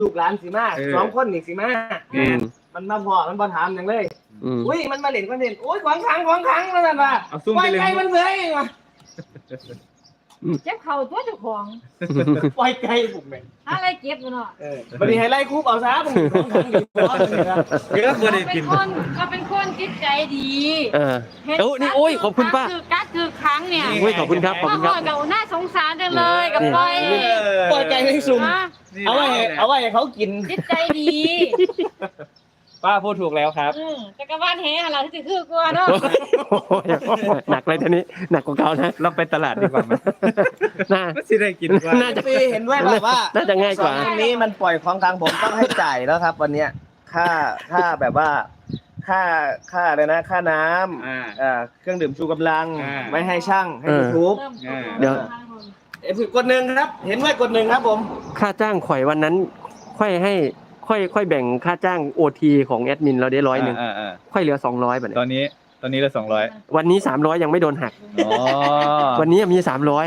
ลูกหลานสิมา2 คนนี่สิมามันมาพอมันบ่ถามอย่างเลยอุ้ยมันมาเล่นคอนเทนต์โอ้ยของขังแล้วนั่นว่ะปล่อยไก่มันเลยว่ะเจ็บเข่าตัวเจ้าของปล่อยไก่ผมแม่งอะไรเก็บมันเนาะบัดนี้ให้ไล่คุกเอาซะผมของขังอยู่บ่เยอะบ่ได้กินก็เป็นคนจิตใจดีนี่โอ้ยขอบคุณป้าคือครั้งเนี่ยโอ้ยขอบคุณครับขอบคุณครับกับน่าสงสารจังเลยกับปล่อยไก่ให้ซุ่มเอาไว้ให้เขากินจิตใจดีป้าพูดถูกแล้วครับจักรวาลแห่เราที่คือกลัวเนาะหนักเลยทีนี้หนักกว่าเก่านะเราไปตลาดดีกว่ามั้ยน่าสิได้กินกว่าน่าจะเห็นด้วยว่าน่าจะง่ายกว่าอันนี้มันปล่อยของทางผมต้องให้จ่ายแล้วครับวันเนี้ยค่าแบบว่าค่าอะไรนะค่าน้ำเครื่องดื่มชูกำลังไม่ให้ช่างให้ทุบเดี๋ยวกด1ครับเห็นด้วยกด1ครับผมค่าจ้างข่อยวันนั้นค่อยแบ่งค่าจ้าง OT ของแอดมินเราได้100ค่อยเหลือ200บัดนี้ตอนนี้เหลือ200 วันนี้300ยังไม่โดนหักวันนี้มี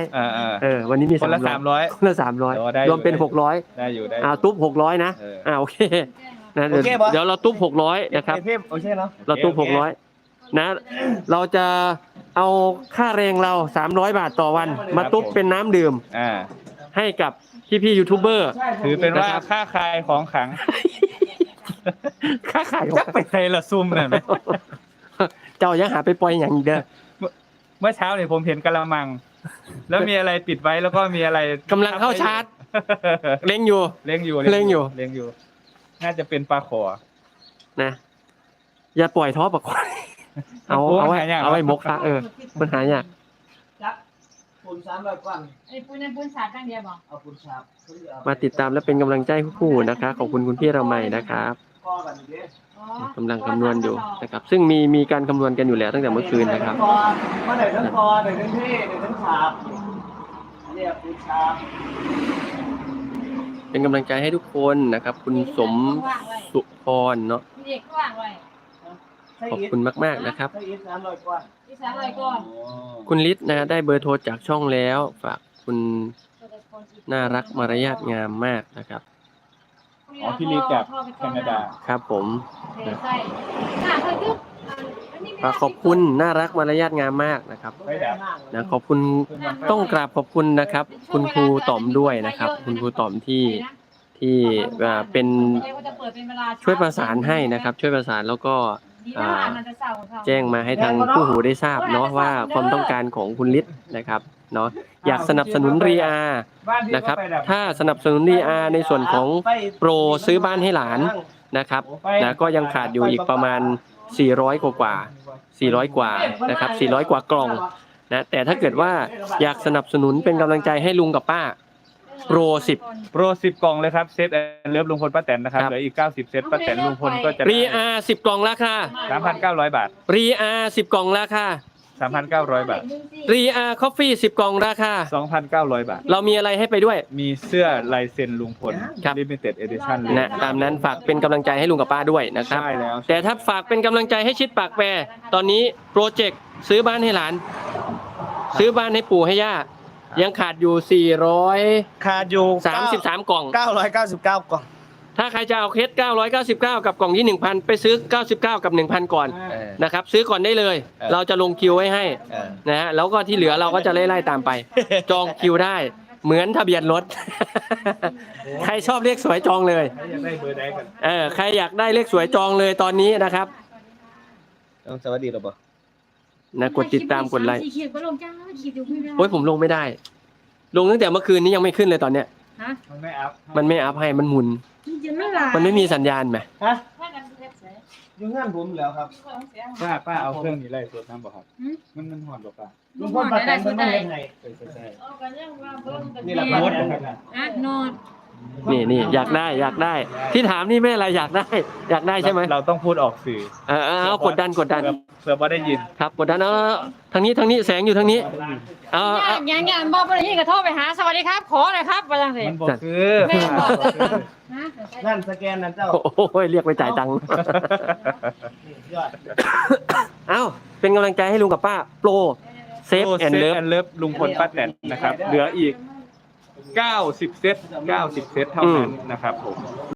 300วันนี้มี300คนละ300รวมเป็น600 ได้อยู่ตุ๊บ600นะโอเคนะเดี๋ยวเราตุ๊บ600นะครับโอเคเนาะเราตุ๊บ600นะเราจะเอาค่าแรงเรา300 บาทต่อวันมาตุ๊บเป็นน้ำดื่มให้กับพี่ยูทูบเบอร์ถือเป็นว่าค่าคายของขังค่าขายจักไปใส่ละซุ่มนั่นมั้ยเจ้ายังหาไปปล่อยอย่างเด้อเมื่อเช้านี่ผมเห็นกะละมังแล้วมีอะไรปิดไว้แล้วก็มีอะไรกำลังเข้าชาร์จเล็งอยู่น่าจะเป็นปลาขอนะอย่าปล่อยท้อปลาขอเอาไว้มกซะมันหายากปูน300 กว่าไอ้ปูนสาดจังเดียวบ่เอาปูนสาดมาติดตามและเป็นกำลังใจคู่นะคะขอบคุณคุณพี่เราใหม่นะครับกำลังคำนวณอยู่นะครับซึ่งมีการคำนวณกันอยู่แล้วตั้งแต่เมื่อคืนนะครับเมื่อไหร่ทั้งคอไหนทั้งเท่ไหนทั้งขาเนี่ยปูนสาดเป็นกำลังใจให้ทุกคนนะครับคุณสมสุพรเนาะขอบคุณมากๆนะครับคุณฤทธิ์นะได้เบอร์โทรจากช่องแล้วฝากคุณน่ารักมารยาทงามมากนะครับพี่ฤทธิ์จากแคนาดาครับผมฝากขอบคุณน่ารักมารยาทงามมากนะครับนะขอบคุณต้องกราบขอบคุณนะครับคุณครูต๋อมด้วยนะครับคุณครูต๋อมที่เป็นช่วยประสานให้นะครับช่วยประสานแล้วก็แจ้งมาให้ทางผู้หูได้ทราบเนาะว่าความต้องการของคุณฤทธิ์นะครับเนาะอยากสนับสนุนรีอานะครับถ้าสนับสนุนรีอาในส่วนของโปรซื้อบ้านให้หลานนะครับนะก็ยังขาดอยู่อีกประมาณ400 กว่านะครับ400 กว่ากล่องนะแต่ถ้าเกิดว่าอยากสนับสนุนเป็นกำลังใจให้ลุงกับป้าโปร10 กล่องเลยครับเซตเลิฟลุงพลป้าแตนนะครับเหลืออีก90เซตป้าแตนลุงพลก็จะรีอา10 กล่องราคา 3,900 บาทรีอา10 กล่องราคา 3,900 บาทรีอาคอฟฟี่10 กล่องราคา 2,900 บาทเรามีอะไรให้ไปด้วยมีเสื้อลายเซ็นลุงพล Limited Edition นะตามนั้นฝากเป็นกำลังใจให้ลุงกับป้าด้วยนะครับใช่แล้วแต่ถ้าฝากเป็นกำลังใจให้ชิดปากแปรตอนนี้โปรเจกต์ซื้อบ้านให้หลานซื้อบ้านให้ปู่ให้ย่ายังขาดอยู่400 ขาดอยู่ 33 กล่อง 999 กล่องถ้าใครจะเอาเคส999กับกล่องที่ 1,000 ไปซื้อ99กับ 1,000 ก่อนนะครับซื้อก่อนได้เลยเราจะลงคิวไว้ให้นะฮะแล้วก็ที่เหลือเราก็จะไล่ๆตามไปจองคิวได้เหมือนทะเบียนรถใครชอบเลขสวยจองเลยใครอยากได้เลขสวยจองเลยตอนนี้นะครับสวัสดีครับนะกดติดตามกดไลค์โอ้ยผมลงไม่ได้ลงตั้งแต่เมื่อคืนนี้ยังไม่ขึ้นเลยตอนเนี้ยมันไม่อัพให้มันหมุนมันไม่มีสัญญาณไหมยุ่งงานผมแล้วครับป้าเอาเครื่องนี้ไล่สดน้ำบ่ครับมันหอนบ่ป้าลุงพลป้าแตนมันไม่เล่นไงนี่แหละโน้ตโน้ตนี่อยากได้ที่ถามนี่ไม่อะไรอยากได้ใช่ไหมเราต้องพูดออกสื่อเอากดดันเผื่อว่าได้ยินครับกดดันทางนี้แสงอยู่ทางนี้อย่างบอกไปเลยกระโทษไปหาสวัสดีครับขอหน่อยครับไปยังสิมันบอกคือนั่นสแกนนั่นเจ้าโอ้ยเรียกไปจ่ายตังค์เป็นกำลังใจให้ลุงกับป้าโปรเซฟแอนเลิฟลุงพลป้าแตนนะครับเหลืออีก 90 เซต 90 เซตเท่านั้นนะครับผม